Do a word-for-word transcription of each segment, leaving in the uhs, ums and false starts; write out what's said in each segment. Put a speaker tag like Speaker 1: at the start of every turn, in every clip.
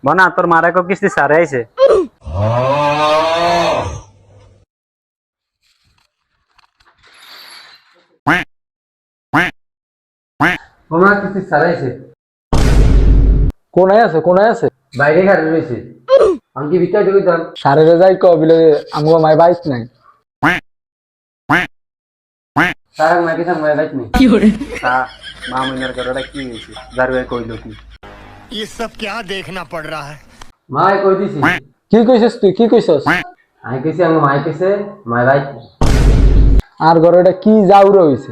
Speaker 1: বনা তোর মারা কো কিস্তি সারে আইছে
Speaker 2: ওমা কিস্তি সারাইছে
Speaker 3: কোনায় আছে কোনায় আছে
Speaker 2: বাইরে ঘাড়ে রয়েছে আমি কি ভিতরে ঢুকে যান
Speaker 3: সারে যাই ক বিলে আমগো মাই বাইক নাই
Speaker 2: সারা মাকে সাং মাই বাইক নেই
Speaker 1: তা মামুনের ঘরটা কি হইছে জারবে কইলো কি
Speaker 4: ये सब क्या देखना पड़ रहा है।
Speaker 2: মাই কই দিছি
Speaker 3: কি কইছস তুই কি কইছস
Speaker 2: আমি কইছি আমি মাই কইছে মাই বাইক
Speaker 3: আর ঘরে এটা কি জাউরা হইছে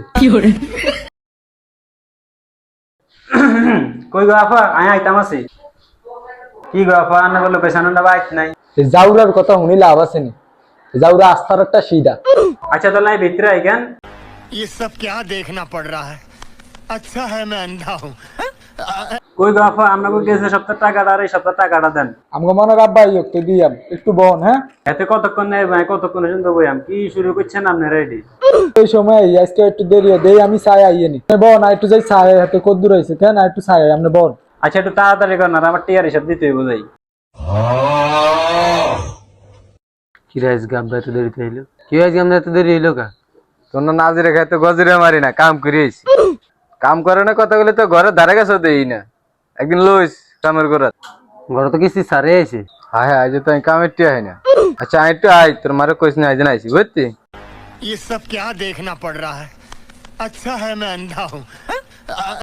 Speaker 1: কই গো আফা আয় আইতাম আছি কি গো আফা আন্না বললো পেছানোটা বাইক নাই
Speaker 3: এই জাউরার কথা শুনি লাভ আছে নি জাউরা আস্থার একটা সিধা
Speaker 1: আচ্ছা তো লাই ভিতরে আই কেন
Speaker 4: ये सब क्या देखना पड़ रहा है। अच्छा है मैं अंधा हूँ।
Speaker 1: কই গো আফা আমরা কই গেছে সপ্তাহ টাকাটা আর এই সপ্তাহ টাকাটা দেন
Speaker 3: আমগো মনে রাব্বাই একটু দিয়াম একটু বহন হ্যাঁ
Speaker 1: এতে কতক্ষণ নেই ভাই কতক্ষণ শুনতে বইয়াম কি শুরু করছেন আপনি রেডি
Speaker 3: এই সময় আজকে একটু দেরি দেই আমি চাই আইয়েনি বহন আর একটু যাই চাই হাতে কত দূর হইছে কেন আর একটু চাই আমনে বহন
Speaker 1: আচ্ছা একটু তাড়াতাড়ি কর না আমার টিয়ার হিসাব দিতে হইব যাই
Speaker 2: কি রাইস গাব্বা এত দেরিতে হইলো কি রাইস গাব্বা এত দেরি হইলো কা
Speaker 5: তোর না নাজিরে খাই তো গজরে মারি না কাম করিস কাম করে না কথা বলে তো ঘরে ধারে কাছে দেই না একদিন লইস কামের ঘরত
Speaker 2: ঘরে তো কিস্তি সারে আইছে
Speaker 5: হায় হায় আজ তো আমি কামের টিয়া হয় না আচ্ছা আই একটু আই তোর মারে কইস না আজ না আইছি বুঝতি
Speaker 4: ये सब क्या देखना पड़ रहा है। अच्छा है मैं अंधा हूँ।